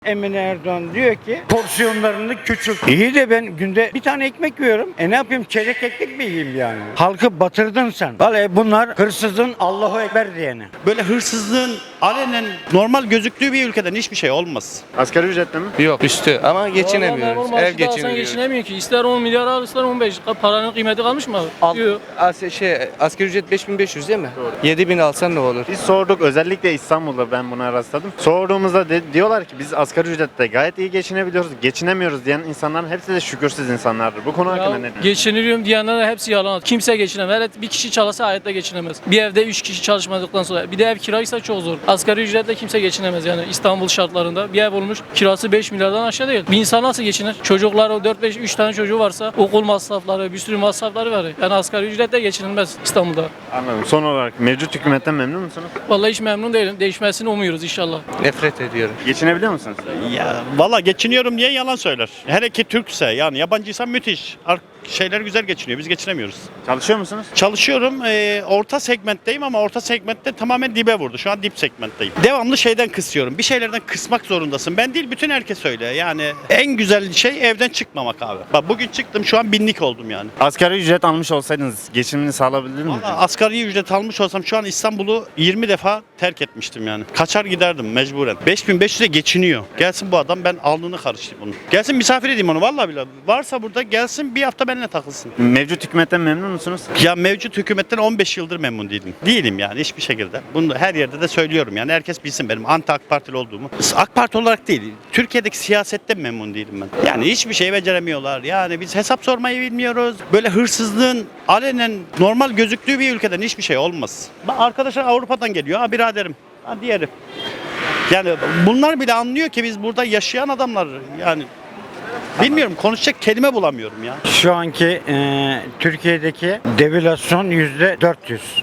Emine Erdoğan diyor ki porsiyonlarını küçült. İyi de ben günde bir tane ekmek yiyorum. Ne yapayım, çeyrek ekmek mi yiyeyim yani? Halkı batırdın sen. Vallahi bunlar hırsızın Allahu Ekber diyeni. Böyle hırsızlığın alenen normal gözüktüğü bir ülkeden hiçbir şey olmaz. Asgari ücretle mi? Yok üstü ama geçinemiyoruz. Normal Ev maaşı da alsan geçinemiyoruz. geçinemiyor ki. İster 10 milyar al ister 15. Paranın kıymeti kalmış mı abi? Yok. Asgari ücret 5500 değil mi? 7000 alsan ne olur? Biz sorduk, özellikle İstanbul'da ben buna rastladım. Sorduğumuzda diyorlar ki biz asgari ücretle gayet iyi geçinebiliyoruz. Geçinemiyoruz diyen insanların hepsi de şükürsüz insanlardır. Bu konu hakkında ne Ya, diyorsun? geçiniliyorum diyenler hepsi yalan. Kimse geçinemez. Hele bir kişi çalışsa hayatta geçinemez. Bir evde 3 kişi çalışmadıktan sonra. Bir de ev kiraysa çok zor. Asgari ücretle kimse geçinemez yani İstanbul şartlarında. Bir ev olmuş kirası 5 milyardan aşağı değil. Bir insan nasıl geçinir? Çocukları 4-5-3 tane çocuğu varsa okul masrafları, bir sürü masrafları var. Yani asgari ücretle geçinilmez İstanbul'da. Anladım. Son olarak mevcut hükümetten memnun musunuz? Vallahi hiç memnun değilim. Değişmesini umuyoruz inşallah. Nefret ediyorum. Geçinebiliyor musunuz? Ya valla geçiniyorum diye yalan söyler. Hele ki Türkse yani yabancıysa müthiş. Şeyler güzel geçiniyor. Biz geçinemiyoruz. Çalışıyor musunuz? Çalışıyorum. Orta segmentteyim ama orta segmentte tamamen dibe vurdu. Şu an dip segmentteyim. Devamlı şeyden kısıyorum. Bir şeylerden kısmak zorundasın. Ben değil bütün herkes öyle. Yani en güzel şey evden çıkmamak abi. Bak bugün çıktım şu an binlik oldum yani. Asgari ücret almış olsaydınız geçimini sağlayabilir miydiniz? Valla asgari ücret almış olsam şu an İstanbul'u 20 defa terk etmiştim yani. Kaçar giderdim mecburen. 5500'e geçiniyor. Gelsin bu adam, ben alnını karıştırayım onu. Gelsin misafir edeyim onu vallahi billahi. Varsa burada gelsin bir hafta benimle takılsın. Mevcut hükümetten memnun musunuz? Ya mevcut hükümetten 15 yıldır memnun değilim. Değilim yani hiçbir şekilde. Bunu her yerde de söylüyorum yani. Herkes bilsin benim anti AK Partili olduğumu. AK Parti olarak değil. Türkiye'deki siyasetten memnun değilim ben. Yani hiçbir şey beceremiyorlar. Yani biz hesap sormayı bilmiyoruz. Böyle hırsızlığın alenen normal gözüktüğü bir ülkeden hiçbir şey olmaz. Bak arkadaşlar Avrupa'dan geliyor. Ha biraderim. Ha diğeri. Yani bunlar bile anlıyor ki biz burada yaşayan adamlar yani bilmiyorum, konuşacak kelime bulamıyorum ya. Şu anki Türkiye'deki devalüasyon %400.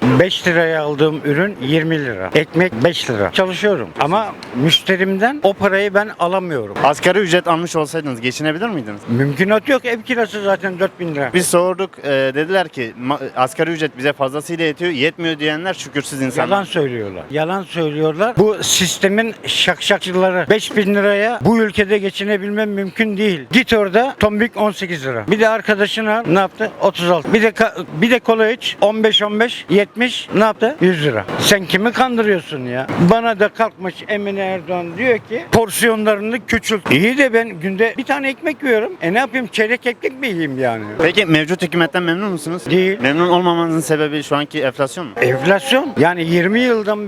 5 liraya aldığım ürün 20 lira. Ekmek 5 lira. Çalışıyorum ama müşterimden o parayı ben alamıyorum. Asgari ücret almış olsaydınız geçinebilir miydiniz? Mümkünatı yok. Ev kirası zaten 4000 lira. Biz sorduk, dediler ki asgari ücret bize fazlasıyla yetiyor, yetmiyor diyenler şükürsüz insanlar. Yalan söylüyorlar. Yalan söylüyorlar. Bu sistemin şakşakçıları 5000 liraya bu ülkede geçinebilmem mümkün değil. Git orada tombik 18 lira. Bir de arkadaşına ne yaptı? 36. Bir de kola iç 15 70 ne yaptı? 100 lira. Sen kimi kandırıyorsun ya? Bana da kalkmış Emine Erdoğan diyor ki porsiyonlarını küçült. İyi de ben günde bir tane ekmek yiyorum. Ne yapayım, çeyrek ekmek mi yiyeyim yani? Peki mevcut hükümetten memnun musunuz? Değil. Memnun olmamanızın sebebi şu anki enflasyon mu? Enflasyon. Yani 20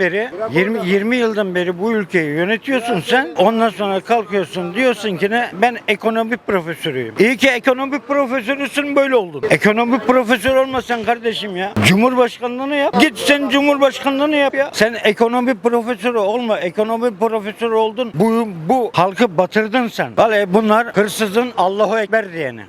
yıldan beri bu ülkeyi yönetiyorsun sen. Ondan sonra kalkıyorsun diyorsun ki ne? Ben ekonomi profesörüyüm. İyi ki ekonomi profesörüsün, böyle oldun. Ekonomi profesörü olmasan kardeşim ya. Cumhurbaşkanlığını yap. Git sen cumhurbaşkanlığını yap ya. Sen ekonomi profesörü olma. Ekonomi profesörü oldun. Bu halkı batırdın sen. Vallahi bunlar hırsızın Allahu Ekber diyeni.